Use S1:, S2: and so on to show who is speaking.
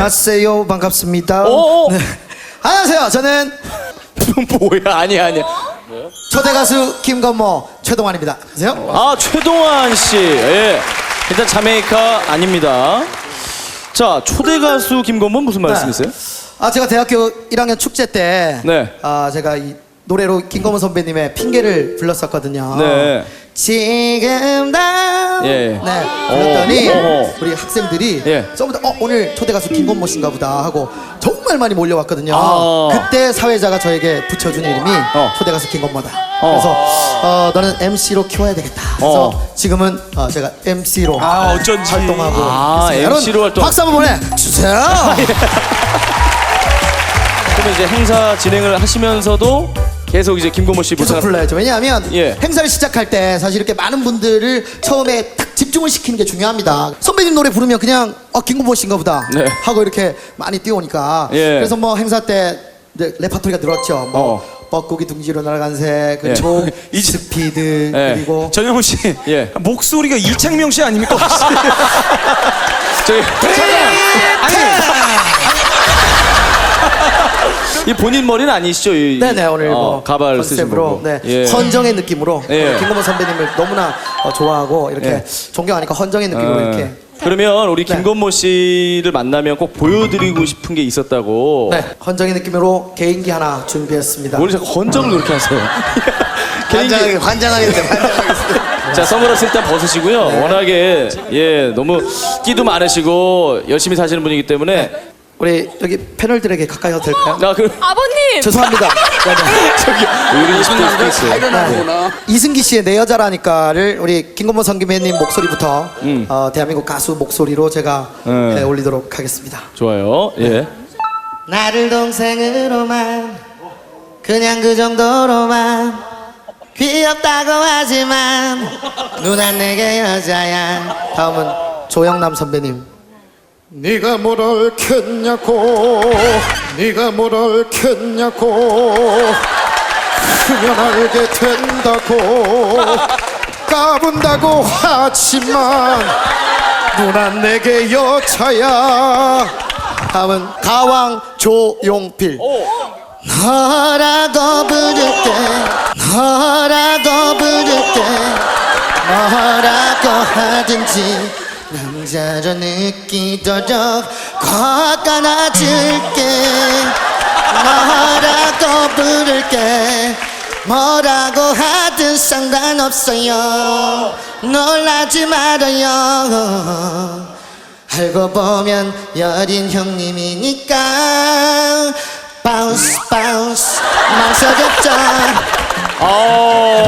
S1: 안녕하세요. 반갑습니다. 네. 안녕하세요. 저는
S2: 뭐야? 아니야.
S1: 초대 가수 김건모 최동환입니다. 안녕하세요.
S2: 아, 최동환 씨. 예. 일단 자메이카 아닙니다. 자, 초대 가수 김건모 무슨 말씀이세요?
S1: 제가 대학교 1학년 축제 때
S2: 네.
S1: 제가 이 노래로 김건모 선배님의 핑계를 불렀었거든요.
S2: 네.
S1: 지금 나
S2: 예.
S1: 네. 그랬더니
S2: 어허.
S1: 우리 학생들이
S2: 예.
S1: 처음부터 오늘 초대 가수 김건모 씨인가 보다 하고 정말 많이 몰려왔거든요.
S2: 아.
S1: 그때 사회자가 저에게 붙여준 이름이 초대 가수 김건모다. 그래서 너는 MC로 키워야 되겠다. 그래서 지금은 제가 MC로
S3: 어쩐지.
S1: 활동하고 있습니다.
S2: MC로 활동.
S1: 박수 한번 보내주세요.
S2: 그러면 이제 행사 진행을 하시면서도 계속 이제 김건모 씨
S1: 계속
S2: 부탁.
S1: 불러야죠. 왜냐하면
S2: 예.
S1: 행사를 시작할 때 사실 이렇게 많은 분들을 처음에 딱 집중을 시키는 게 중요합니다. 선배님 노래 부르면 그냥 김건모 씨인가 보다
S2: 네.
S1: 하고 이렇게 많이 뛰어오니까
S2: 예.
S1: 그래서 뭐 행사 때 이제 레파토리가 늘었죠. 뭐 뻐꾸기 둥지로 날아간 새,
S2: 예.
S1: 초, 스피드
S2: 예.
S1: 그리고
S3: 전영훈 씨,
S2: 예.
S3: 목소리가 이창명 씨 아닙니까?
S2: 저기 이 본인 머리는 아니시죠?
S1: 네네 오늘 뭐
S2: 가발 쓰신
S1: 컨셉으로
S2: 거고.
S1: 네,
S2: 예.
S1: 헌정의 느낌으로
S2: 예.
S1: 김건모 선배님을 너무나 좋아하고 이렇게
S2: 예.
S1: 존경하니까 헌정의 느낌으로 이렇게
S2: 그러면 우리
S1: 네.
S2: 김건모 씨를 만나면 꼭 보여드리고 싶은 게 있었다고.
S1: 네, 헌정의 느낌으로 개인기 하나 준비했습니다.
S2: 뭘 자꾸 헌정을 그렇게 하세요? 개인기.
S1: 환장하겠습니다.
S2: 자, 선글라스 일단 벗으시고요. 워낙에 너무 끼도 많으시고 열심히 사시는 분이기 때문에.
S1: 우리 여기 패널들에게 가까이 와도 될까요?
S4: 아버님!
S1: 죄송합니다.
S2: 저기 이런 분들 있어요.
S1: 이승기 씨의 내 여자라니까를 우리 김건모 선배님 목소리부터 대한민국 가수 목소리로 제가 올리도록 하겠습니다.
S2: 좋아요. 예.
S1: 나를 동생으로만 그냥 그 정도로만 귀엽다고 하지만 누난 내게 여자야. 다음은 조영남 선배님. 네가 뭘 옳겠냐고 네가 뭘 옳겠냐고 크면 알게 된다고 까분다고 하지만 누난 내게 여자야. 다음은 가왕 조용필. 너라고 부를게 너라고 부를게 뭐라고 하든지 남자로 느끼도록 꽉 안아줄게. 뭐라고 부를게 뭐라고 하든 상관없어요. 놀라지 말아요. 알고 보면 여린 형님이니까 바운스 바운스 망설였죠.